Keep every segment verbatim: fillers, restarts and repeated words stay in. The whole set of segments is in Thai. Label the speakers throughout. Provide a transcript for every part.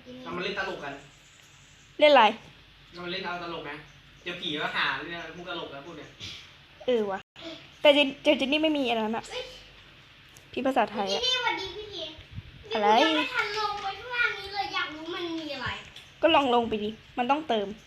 Speaker 1: ทำมาเล่นตลกกัน
Speaker 2: เล่นอะไร
Speaker 1: ทำมาเล่นเอาตลกไหมเจอผีก็หาเรื่องพวกตลกแล้วพวกเนี้ย
Speaker 2: เออวะแต่เจเจเจนนี่ไม่มีอะไรนะพี่ภาษาไทยอะอะไร
Speaker 3: ไม่ทันลงไปข้างล่างนี้เลยอยากรู้มันมีอะไร
Speaker 2: ก็ลองลงไปดิมันต้องเติม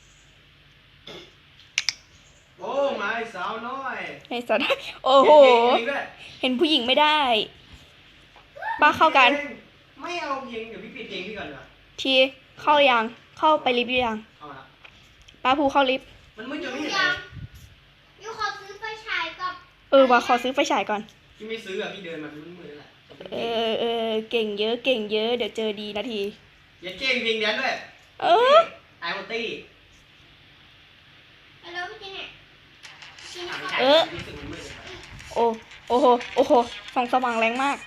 Speaker 1: โอ้มาสาวน้อย
Speaker 2: ในสถานโอ้โหเห็นผู้หญิงไม่ได้ป้าเข้ากัน
Speaker 1: ไม่เอาเพลงเดี๋ยวพี่ปิดเพลงพี่ก่อนเหรอ
Speaker 2: ทีเข้ายังเข้าไปลิฟต์ยังป้าภูเข้าลิฟต์
Speaker 1: มันมืดจนไม่เห็น
Speaker 3: ยูขอซื้อไฟฉายกับ
Speaker 2: เออว่าขอซื้อไฟฉายก่อน
Speaker 1: พี่ไม่ซื้ออ่ะพี่เดินมามันมืดแหละ
Speaker 2: เออเออเก่งเยอะเก่งเยอะเดี๋ยวเจอดีนาที
Speaker 1: อย่าเก่งเพลงแดนด้วย
Speaker 2: เออ
Speaker 1: ไอโอตี้
Speaker 3: แล้วพี่จีเนี่ย
Speaker 2: เออโอ้โอ้โหโอ้โหส่องสว่างแรงมาก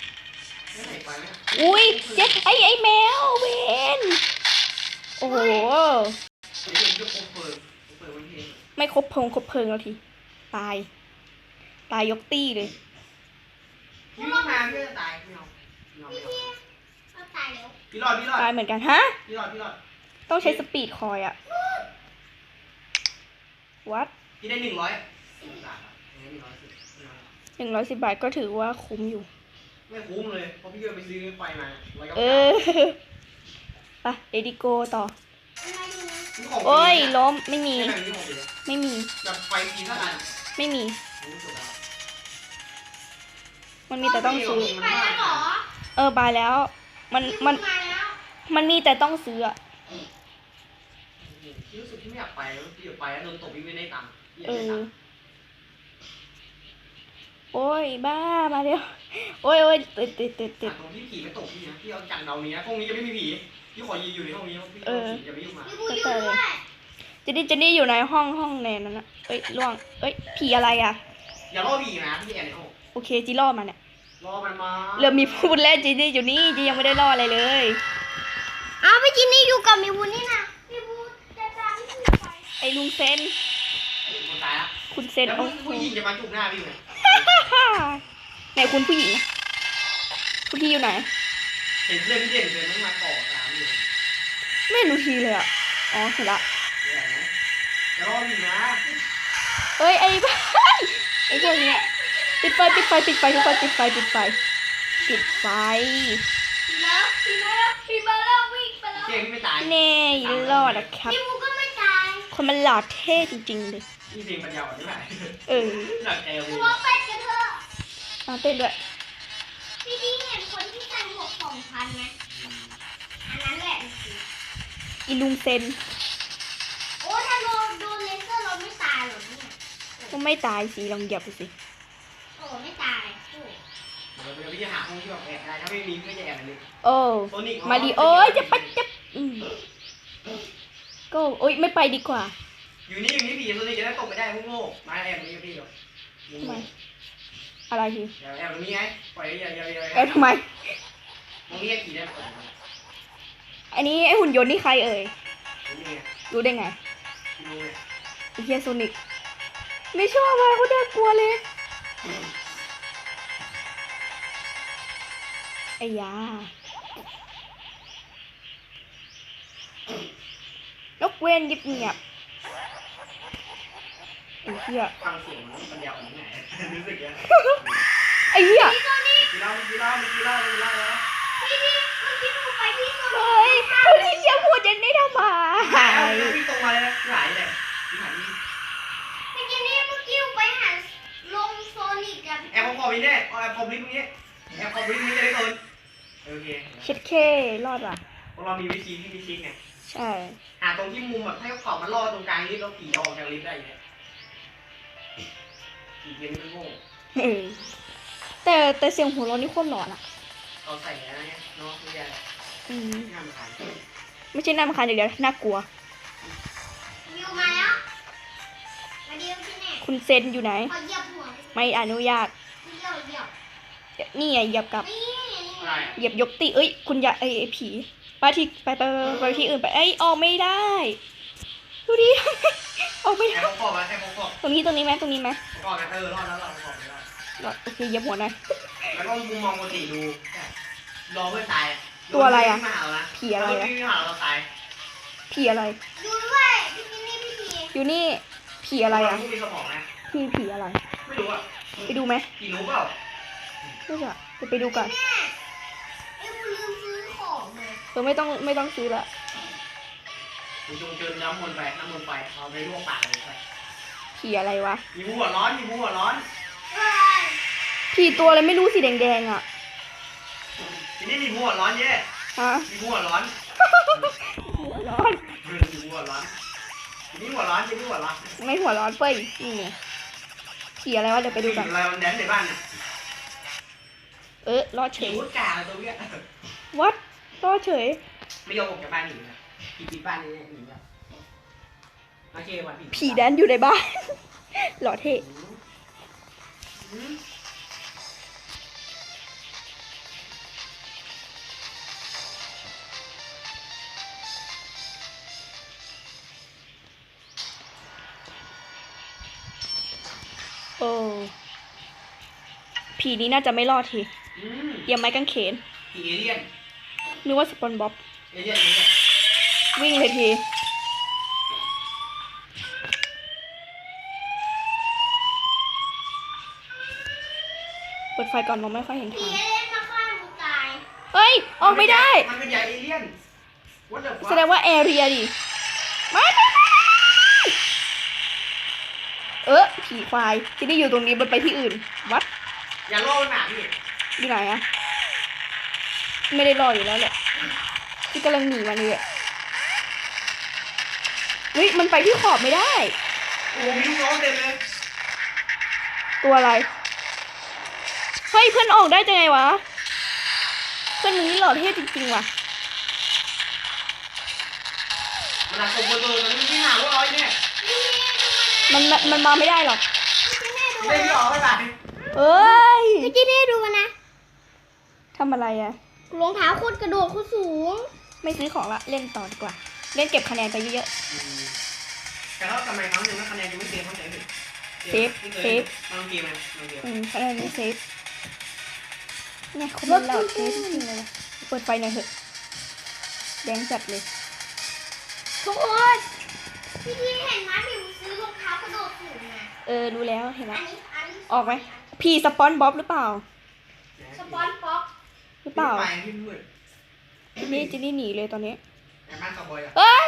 Speaker 2: อุ้ยเจ๊ไอไอแมวเวนโอ้โหไม่ครบพงครบเพลิงแล้วทีตายตายยกตี้เลย
Speaker 1: พี่มาพี่จะตายไม่เอา
Speaker 3: พี่พี่ตายแล้ว
Speaker 1: พี่รอดพี่รอด
Speaker 2: ตายเหมือนกันฮะ
Speaker 1: พี่รอดพี่รอด
Speaker 2: ต้องใช้สปีดคอยอะวัด
Speaker 1: พี่ได้หนึ่งร้อย
Speaker 2: หนึ่งร้อยสิบบาทก็ถือว่าคุ้มอยู่
Speaker 1: ไม่คุ้มเลยเพราะพี่ไปซื้อไฟมา
Speaker 2: เออไปเอดิโกต่อโอ้ยล้มไม่มีไม่มี
Speaker 1: แบบไฟทีเท่านั้น
Speaker 2: ไม่มีมันมีแต่ต้องซื้อเออบายแล้วมันมันมันมีแต่ต้องซื้ออะ
Speaker 1: รู้สึกที่ไม่อยากไปพี่อยากไปแล้วโดนตบพี่ไม่ได้ตังค์
Speaker 2: เออโอ้ยบ้ามาเร็วโอ้ยโอ้ยติดติดติดติด
Speaker 1: ตรงที่ผีไม่ตกพี่นะพี่เอาจังเดานี้นะห้องนี้จะไม่มีผีพี่ขอยืนอยู่ในห้องนี้พี่จะไม่ยุ่งมา
Speaker 2: ก็เลยเจนนี่เจนนี่อยู่ในห้องห้องแนนนั่นนะเอ้ยล่วงเอ้ยผีอะไรอ่ะ
Speaker 1: อย่าล่อผีนะพี่แอนในห้อง
Speaker 2: โอเคจีล่อมาเนี่ย
Speaker 1: ล่อมันมา
Speaker 2: เริ่มมีพูดแล้วเจนนี่อยู่นี่จียังไม่ได้ล่ออะไรเลย
Speaker 3: อ้าวพี่จีนี่อยู่กับมีวุ้นนี่นะมีวุ้นจะตามพี่ไป
Speaker 2: ไอ้ลุงเซน
Speaker 1: คนตายละ
Speaker 2: คุณเซน
Speaker 1: โอ้ผู้หญิงจะมาจุกหน้าพี่เลย
Speaker 2: ไหนคุณผู้หญิงคุณพี่อยู่ไหน
Speaker 1: เห็นเพื่อนพี่เด่นเดินต้องมาต่อตามอยู่
Speaker 2: ไม่รู้ทีเลยอ่ะอ๋อเห็นละ
Speaker 1: จะรออยู่นะ
Speaker 2: เอ้ยไอ้บ้าไอ้พวกนี้ปิดไฟปิดไฟปิดไฟทุกคนปิดไฟปิดไฟปิดไฟ
Speaker 3: แล้วพี่มาแล้วพี่มาแล้ววิ่งไปแล้ว
Speaker 1: เจ๊ไม่ตาย
Speaker 2: เน่รอดนะครับ
Speaker 3: พี่มูก็ไม่ตาย
Speaker 2: คนมันหล่อเท่จริงๆเลย
Speaker 1: นี่เพลงปัญญาอ่อนใช่ไหม
Speaker 2: เออ
Speaker 1: หนักใจเลย
Speaker 3: หัวเป็ดกันเถอะ
Speaker 2: มาเต้นด้วย
Speaker 3: พี่ดีเห็นคนที่ใส่หมวกสองพันไหมอันนั้นแหละ
Speaker 2: อีลุงเซน
Speaker 3: โอ้ถ้าโดนโดนเลเซอร์เราไม่ตายหรอเนี่ย
Speaker 2: ก็ไม่ตายสิลองเหยียบดูสิ
Speaker 3: โอ้ไม่ตายโอ้
Speaker 1: เดี๋ยวพี่จะหาห้องที่แบบแอบได้ถ้าไม่มีพี่จะแอบเลย
Speaker 2: โอ้มาดิโอ้ยจะไปจะก็โอ้ยไม่ไปดีกว่า
Speaker 1: อยู่นี่อยู่นี่ผีตัวนี้จะได้ตกไปได้พวกโง่มาแอบนี่พี่หรอ
Speaker 2: ทำไมอะไรที
Speaker 1: แอบตรงนี้ไงปล่อยอย่าอย่าอย่า
Speaker 2: แอบทำไม
Speaker 1: ตรงนี้ผีได้
Speaker 2: อันนี้ไอหุ่นยนต์นี่ใครเอ่ยรู้ได้ไงไอเฮียโซนิกไม่ชอบอะไรเขาเด็กกลัวเลยไอ้ยานกเว้นยิบเงียบไอ้เหี้ย
Speaker 1: ฟังเสียงมันยาวขนาดไหนรู้สึกยัง
Speaker 2: ไอ้เหี้ย
Speaker 1: กีฬากีฬากีฬากีฬาแล้ว
Speaker 3: พี่พี่เมื่อกี้หนูไปพี่โซนิก
Speaker 2: เฮ้ยคุณที่เชี่ยพูดยังได้ทำไม
Speaker 1: พี่ตรงมาเลยหายเลยหาย
Speaker 3: พี่จีนี่เมื่อกี้ไปหาลงโซนิกกัน
Speaker 1: แอบคอมนี่แน่แอบคอมลิฟต์นี้แอบคอมลิฟต์นี้จะได้โดนโอเค
Speaker 2: เช็ดเครอดว่ะ
Speaker 1: พวกเรามีวิธีที่มีชิคไง
Speaker 2: ใช่
Speaker 1: หาตรงที่มุมแบบให้เขามันรอตรงกลางลิฟต์แล้วผีออกจากลิฟต์ได้เนี่ยผีเกมนี่โง่
Speaker 2: แต่แต่เสียงหัวเราะนี่โคตรหลอนอ่ะ
Speaker 1: เอาใส่อะไรเนี่ยน้องคืออะไร
Speaker 2: อืม
Speaker 1: น่ารำคาญ
Speaker 2: ไม่ใช่น่ารำคาญอย่างเดียวน่ากลัว
Speaker 3: อยู่มาแล้วมาดีที่ไหน
Speaker 2: คุณเซนอยู่ไหน
Speaker 3: ขอเหยียบหัว
Speaker 2: ไม่อนุญาต
Speaker 3: เหยียบเหยียบ
Speaker 2: นี่ไงเหยียบกับเหยียบยกตีเอ้ยคุณอย่าไอ้ผีไปที่ไปไปไปที่อื่นไปไอ้ออกไม่ได้ดูดิออกไม่ได้ตรงนี้ตรงนี้ไหมตรงนี้ไหม
Speaker 1: รอดเออรอดแล้วรอดรอด
Speaker 2: โอเคเหยียบหัวหน่อย
Speaker 1: แล้วก็มุมมองปกติดูรอเพื่อนตาย
Speaker 2: ตัวอะไรอะ
Speaker 1: มาหาเรานะ
Speaker 2: ผีอะไรอะ
Speaker 1: พี่มาหาเราตาย
Speaker 2: ผีอะไร
Speaker 3: ดูด้วยพี่จินนี่พี่ที
Speaker 2: อยู่นี่ผีอะไรอ่ะ
Speaker 1: ไม่มีสมองนะ
Speaker 2: พี่ผีอะไร
Speaker 1: ไม่รู้อ่ะ
Speaker 2: ไปดูไหม
Speaker 1: ผีรู้เปล่า
Speaker 2: ไม่จะจะไปดูก่อน
Speaker 3: แม่ไอ้กูลืมซื้อของเลย
Speaker 2: เออไม่ต้องไม่ต้องซื้อละ
Speaker 1: คุณจงเจิญน้ำมนต์ไปน้ำมนต์ไปเอาไปลวกปากเลยไป
Speaker 2: ผีอะไรวะ
Speaker 1: มีหัวร้อนมีหัวร้อน
Speaker 3: เฮ้ย
Speaker 2: ผีตัวอะไรไม่รู้สีแดงๆอ่ะ
Speaker 1: ทีนี้มีหัวร้อนเย่
Speaker 2: ฮะ
Speaker 1: มีหัวร้อน
Speaker 2: หัวร้อน
Speaker 1: เออมีหัวร้อนทีนี้หัวร้อนทีนี้หัวร้อน
Speaker 2: ไม่หัวร้อนเฟ้ยนี่ไงผีอะไรวะเดี๋ยวไปดูกัน
Speaker 1: อะไรมันแดนในบ้านเนี่ย
Speaker 2: เออรอดเฉ
Speaker 1: ผี
Speaker 2: ย
Speaker 1: วุ้นกาอะไรตัวเนี้ย
Speaker 2: วัดรอดเฉย
Speaker 1: ไม่ยอมออกจากบ้านหนีนะผีปิดบ้านนี่หนีอ่ะโอเควันผี
Speaker 2: ผีแดนอยู่ในบ้าน หล่อเท่
Speaker 1: อืม
Speaker 2: โอ้ผีนี้น่าจะไม่รอดที
Speaker 1: อืม
Speaker 2: เตรียมไม้กางเขน
Speaker 1: ผีเอเลี่ยน
Speaker 2: นึกว่าสปอนบ๊อบ
Speaker 1: เอเลี่ยนเอเลี่ยน
Speaker 2: วิ่งเลยทีเปิดไฟก่อนมองไม่ค่อยเห็น
Speaker 3: ผี
Speaker 2: ทาง
Speaker 3: เล่นมาฆ่ามึงตาย
Speaker 2: เฮ้ย ออกไม่ได้
Speaker 1: มันเป็นใหญ่เอเลี่ยน What the fuck
Speaker 2: แสดงว่าแอเรียดิไม่ไม่ไม่เออผีควายที่ได้อยู่ตรงนี้มันไปที่อื่น วัด
Speaker 1: อย่าโล่หนาพี่
Speaker 2: อยู่ไหนอะไม่ได้รออยู่แล้วแหละที่กำลังหนีมาเลยอะเฮ้ยมันไปที่ขอบไม่ได้
Speaker 1: โอ้โหมีลูกน้องเต็มเลย
Speaker 2: ตัวอะไร เฮ้ยเพื่อนออกได้จังไงวะ เพื่อนมึงนี่หล่อเท่จริงๆว่ะ
Speaker 1: มันหนักกว่าเบอร์เบอร์มันไม่หาว่าร้อยเนี่ย
Speaker 2: มันมันมันมาไม่ได้หรอก
Speaker 1: ไม่ได้ออกไปไหน
Speaker 2: เอ้ย
Speaker 3: พี่จินนี่ดูมันนะ
Speaker 2: ทำอะไรอะ
Speaker 3: รองเท้าโคตรกระโดดโคตรสูง
Speaker 2: ไม่ซื้อของละ เล่นต่อดีกว่า เล่นเก็บคะแนนไปเยอะ
Speaker 1: แต่แล้วทำไมครั้งหนึ่งคะแนนยังไม่เซฟเข้าใจผิด
Speaker 2: เซฟเซฟ
Speaker 1: มันเกมมันมันเกม
Speaker 2: ๆอืมคะแนนไม่เซฟเนี่ยคนมันหล่อเท่จริงๆเลยว่ะเปิดไฟหน่อยเถอะ แดงจัดเลย
Speaker 3: ทุกคนพี่ทีเห็นไหมพี่ซื้อรองเท้ากระโดดสูงนะ
Speaker 2: เออรู้แล้วเห็น
Speaker 3: อั
Speaker 2: ละ
Speaker 3: นนี้อันนี้
Speaker 2: ออกไหม พีสปอนบ๊อบหรือเปล่า
Speaker 3: สปอนป๊อก
Speaker 2: หรือเปล่า
Speaker 1: ไปที่มืด
Speaker 2: จินนี่จินนี่หนีเลยตอนนี้
Speaker 1: แอบบ้านคาวบอยอ่ะ
Speaker 2: เอ้ย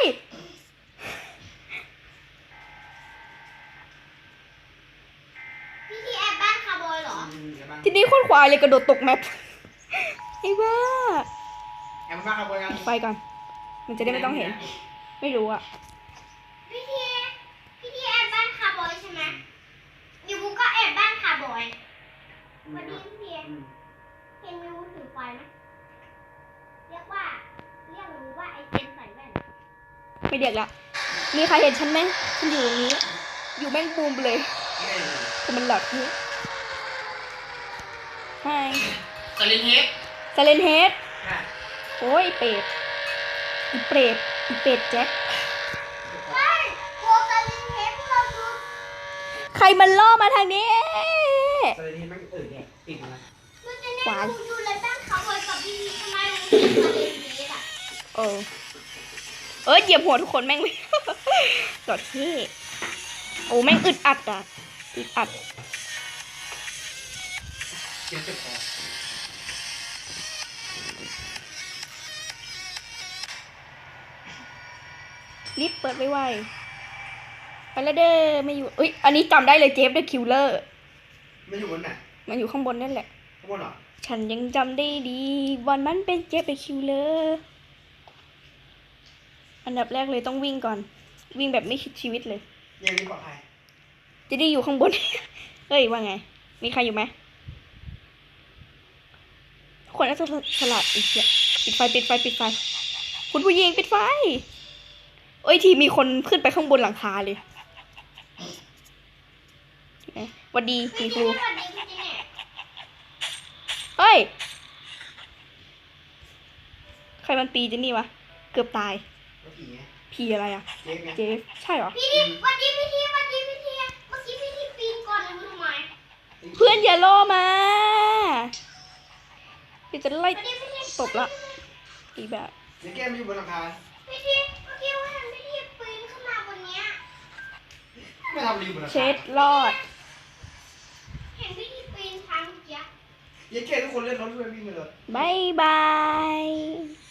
Speaker 3: พี่ทีแอบบ้านคาร์บอยเหรอ
Speaker 1: แอบบ้าน
Speaker 2: จินนี่โคตรควายเลยกระโดดตกแมป ไอ้บ้า
Speaker 1: แอบบ้านคาวบอยกัน
Speaker 2: ไฟก่อน มันจะได้ไม่ต้องเห็น ไม่รู้อะ
Speaker 3: พี่ทีพี่ทีแอบบ้านคาร์บอยใช่ไหมเดี๋ยวกูก็แอบบ้านคาร์บอยสวัสดีพี่ทีเห็นมิวถือไฟไหมเรียกว่าเรียกรู้ว่าไอเจนใส่แว่น
Speaker 2: ไม่เรียกละ มีใครเห็นฉันไหมฉันอยู่ตรงนี้ อยู่แม่งบูมไปเลยแต่มันหลอดที่ไฮ
Speaker 1: สลินเฮด
Speaker 2: ซาเลนเฮดโอ้ยเป็ดอีเปรตอีเป็ดแจ็ค
Speaker 3: เฮ้ยโกตาลินเทปเราดู
Speaker 2: ใครมันล่อมาทางนี้
Speaker 1: สลินเฮดมันเออเนี่ยติดนะ
Speaker 3: มันจะเนี่ยดูดูเลยบ้านคาร์บอยกับพี่ทีทำไมรู้สึกตาลินเทปอ่ะ
Speaker 2: เออ เออเหยียบหัวทุกคนแม่งเลย หลอดที่โอ้แม่งอึดอัดอ่ะ อึดอัด
Speaker 1: เจ็บเจ็บคอ
Speaker 2: รีบเปิดไวๆไปแล้วเด้อไม่อยู่เอ้ย อันนี้จำได้เลยเจฟเดอะคิลเลอร์
Speaker 1: ไม่อยู่บนไหน
Speaker 2: มันอยู่ข้างบนนั่นแหละ
Speaker 1: ข้างบนเหรอ
Speaker 2: ฉันยังจำได้ดี วันนั้นเป็นเจฟเดอะคิลเลอร์อันดับแรกเลยต้องวิ่งก่อน วิ่งแบบไม่คิดชีวิตเลย
Speaker 1: ยังมีปลอดภัย
Speaker 2: จะได้อยู่ข้างบน เฮ้ยว่าไง มีใครอยู่ไหมคนน่าจะฉลาดอีกเยอะปิดไฟปิดไฟปิดไฟ คุณผู้หญิงปิดไฟ เอ้ยทีมีคนขึ้นไปข้างบนหลังคาเลยเอ๊ะหวัดดี
Speaker 3: พี่
Speaker 2: มีค
Speaker 3: ที
Speaker 2: รู
Speaker 3: สวัสดีพี่ทีเนี่ย
Speaker 2: เฮ้ย ใครมันตีเจนนี่วะ เกือบตาย
Speaker 1: แล้วผีไง
Speaker 2: พีอะไรอะ
Speaker 1: เจ๊ไง
Speaker 2: เจฟใช่เหรอ
Speaker 3: พี่ทีสวัสดีพี่ทีสวัสดีพี่ทีเมื่อกี้พี่ทีปีนก่อนเลยรู้ไหม
Speaker 2: เพื่อนอย่าล่อมาเดี๋ยวจะไล่
Speaker 3: สวัสดีพี่ที
Speaker 2: ตบละ
Speaker 3: ส
Speaker 2: อีกแบบ
Speaker 1: เดี๋ยวแก้มอยู่บนหลังคา
Speaker 3: พี่ทีเมื่อกี้ว่าเห็นพี่ทีปีนขึ้นมาบนเนี้ย
Speaker 1: ไม่ทำรีบนหลังคา
Speaker 2: เช็ดรอด
Speaker 3: เห็นพี่ทีปีนทางเมื่อกี้
Speaker 1: เดี๋ยวแก้ทุกคนเล่นรถด้วยวิ่งไปเลย
Speaker 2: บายบาย